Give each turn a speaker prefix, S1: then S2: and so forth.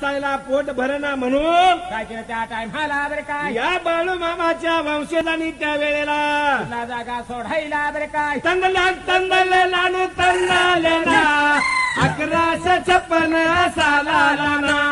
S1: चांगला पोट भरणा म्हणून
S2: काय केलं त्या टायमाला बरं काय
S1: या बाळू मामाच्या वंशजांनी त्या वेळेला
S2: ना जागा सोडायला बरं काय
S1: तंदले लाडू तंदले ना 1156 साला ना